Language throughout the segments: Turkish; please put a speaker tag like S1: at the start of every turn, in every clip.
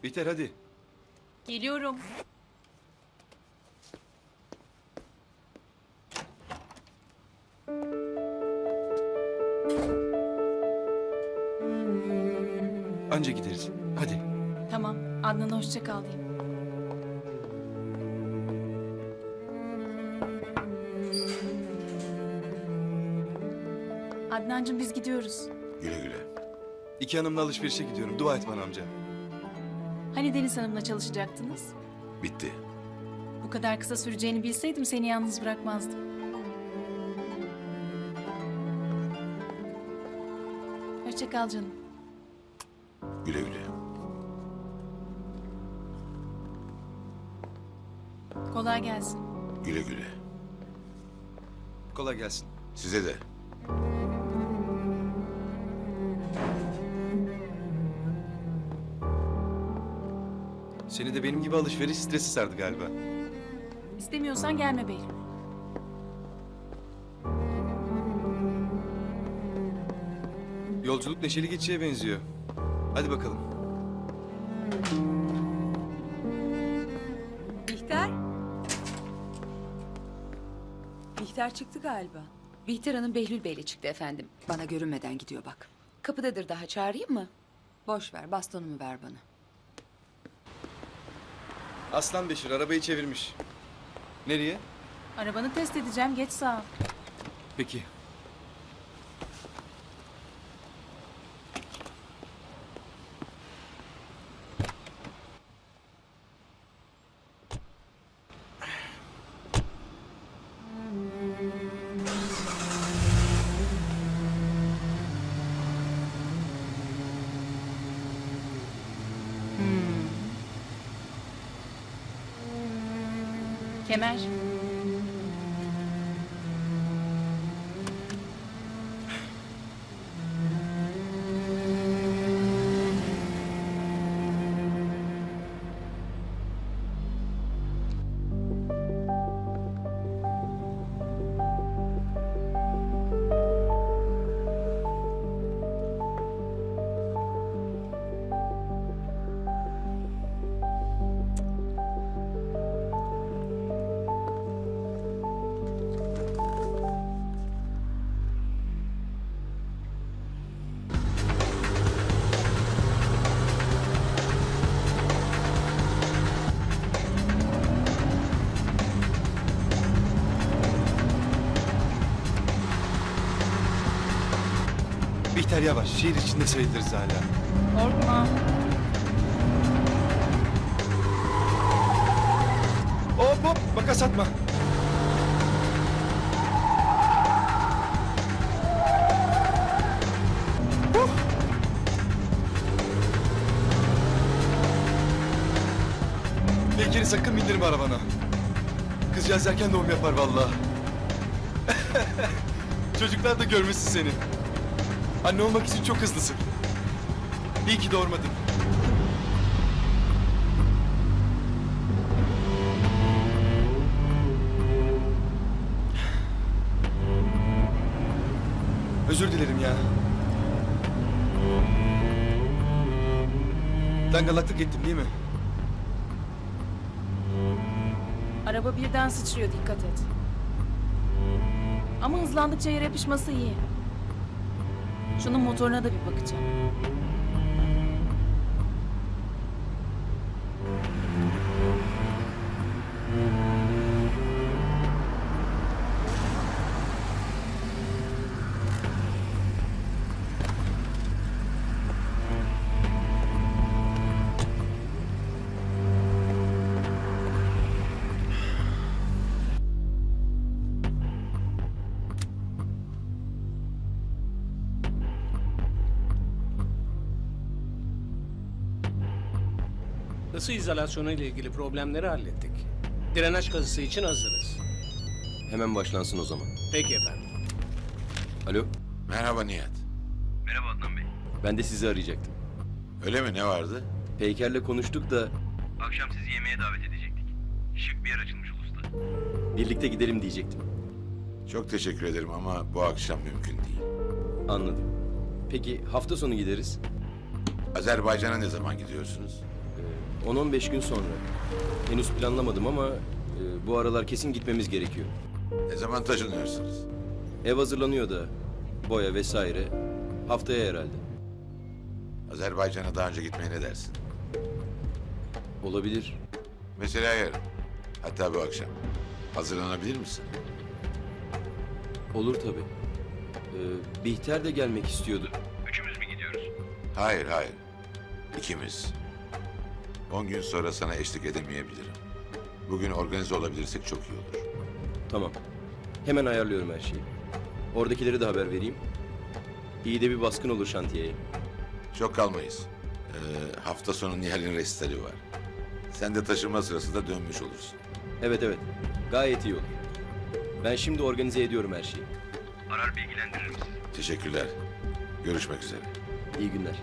S1: Bihter hadi.
S2: Geliyorum.
S1: Anca gideriz. Hadi.
S2: Tamam. Adnan'a hoşça kal diyeyim. Adnancığım biz gidiyoruz.
S3: Güle güle.
S1: İki hanımla alışverişe gidiyorum. Dua et bana amca.
S2: Hani Deniz Hanım'la çalışacaktınız?
S3: Bitti.
S2: Bu kadar kısa süreceğini bilseydim seni yalnız bırakmazdım. Hoşça kal canım.
S3: Güle güle.
S2: Kolay gelsin.
S3: Güle güle.
S1: Kolay gelsin.
S3: Size de.
S1: Seni de benim gibi alışveriş stresi sardı galiba.
S2: İstemiyorsan gelme Behlül.
S1: Yolculuk neşeli geçişe benziyor. Hadi bakalım.
S4: Bihter? Bihter çıktı galiba.
S5: Bihter Hanım Behlül Bey'le çıktı efendim. Bana görünmeden gidiyor bak. Kapıdadır daha, çağırayım mı? Boş ver, bastonumu ver bana.
S1: Aslan Beşir arabayı çevirmiş. Nereye?
S2: Arabanı test edeceğim. Geç sağa.
S1: Peki.
S2: Kemer.
S1: Bihter yavaş. Şehir içinde sayılırız hala.
S2: Korkma.
S1: Hop hop makas atma. Bekir'i sakın bindirme arabana. Kızcağız erken doğum yapar vallahi. Çocuklar da görmesin seni. Anne olmak için çok hızlısın. İyi ki doğurmadın. Özür dilerim ya. Dangalaklık ettim değil mi?
S2: Araba birden sıçrıyor, dikkat et. Ama hızlandıkça yere yapışması iyi. Şunun motoruna da bir bakacağım.
S6: Isı izolasyonu ile ilgili problemleri hallettik. Drenaj kazısı için hazırız.
S7: Hemen başlansın o zaman.
S6: Peki efendim.
S7: Alo,
S3: Merhaba Nihat.
S7: merhaba Adnan Bey. Ben de sizi arayacaktım.
S3: Öyle mi, ne vardı?
S7: Peyker'le konuştuk da
S8: Akşam sizi yemeğe davet edecektik. Şık bir yer açılmış Ulus'ta.
S7: birlikte gidelim diyecektim.
S3: Çok teşekkür ederim ama bu akşam mümkün değil.
S7: Anladım. Peki hafta sonu gideriz.
S3: Azerbaycan'a ne zaman gidiyorsunuz?
S7: 10-15 gün sonra. Henüz planlamadım ama bu aralar kesin gitmemiz gerekiyor.
S3: Ne zaman taşınıyorsunuz?
S7: Ev hazırlanıyor da boya vesaire. Haftaya herhalde.
S3: Azerbaycan'a daha önce gitmeye ne dersin?
S7: Olabilir.
S3: Mesela yarın. Hatta bu akşam. Hazırlanabilir misin?
S7: Olur tabii. Bihter de gelmek istiyordu.
S8: Üçümüz mü gidiyoruz?
S3: Hayır, hayır. İkimiz. 10 gün sonra sana eşlik edemeyebilirim. Bugün organize olabilirsek çok iyi olur.
S7: Tamam. Hemen ayarlıyorum her şeyi. Oradakilere de haber vereyim. İyi de bir baskın olur şantiyeye.
S3: Çok kalmayız. Hafta sonu Nihal'in resitali var. Sen de taşınma sırasında dönmüş olursun.
S7: Evet evet. Gayet iyi olur. Ben şimdi organize ediyorum her şeyi.
S8: Arar bilgilendiririm sizi.
S3: Teşekkürler. Görüşmek üzere.
S7: İyi günler.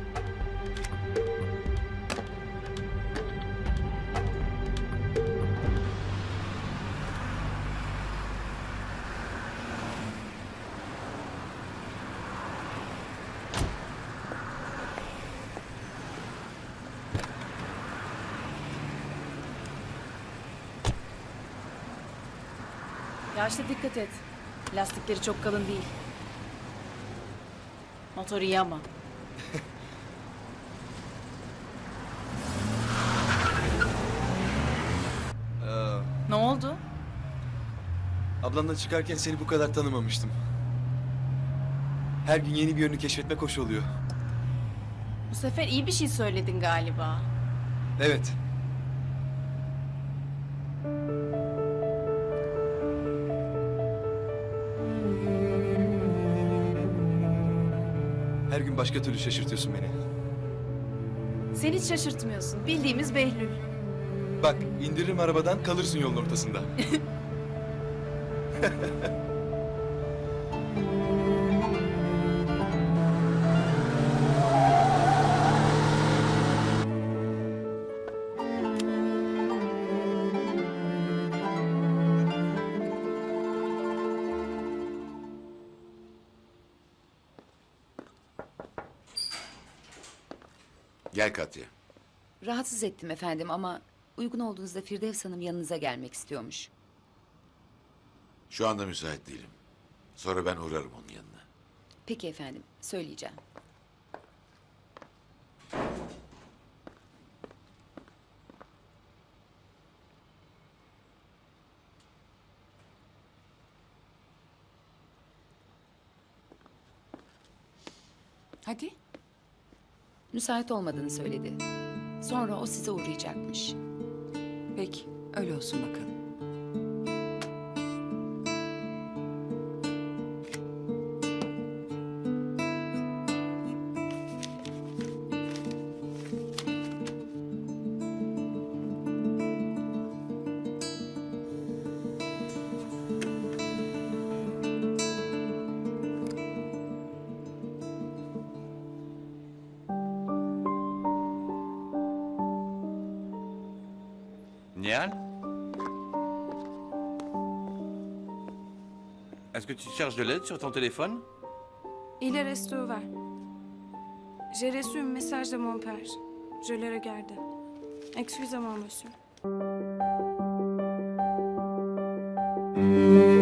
S2: Yaşlı dikkat et. Lastikleri çok kalın değil. Motor iyi ama. Ne oldu?
S1: Ablanla çıkarken seni bu kadar tanımamıştım. Her gün yeni bir yönünü keşfetmek hoş oluyor.
S2: Bu sefer iyi bir şey söyledin galiba.
S1: Evet. Her gün başka türlü şaşırtıyorsun beni.
S2: Sen hiç şaşırtmıyorsun. Bildiğimiz Behlül.
S1: Bak, indiririm arabadan, kalırsın yolun ortasında.
S3: Gel Katya.
S5: Rahatsız ettim efendim ama uygun olduğunuzda Firdevs Hanım yanınıza gelmek istiyormuş.
S3: Şu anda müsait değilim. Sonra ben uğrarım onun yanına.
S5: Peki efendim, söyleyeceğim.
S4: Hadi.
S5: Müsait olmadığını söyledi. Sonra o size uğrayacakmış.
S4: Peki, öyle olsun bakalım.
S9: Nial? Est-ce que tu cherches de l'aide sur ton téléphone?
S10: Il est resté ouvert. J'ai reçu un message de mon père. Je l'ai regardé. Excusez-moi, monsieur.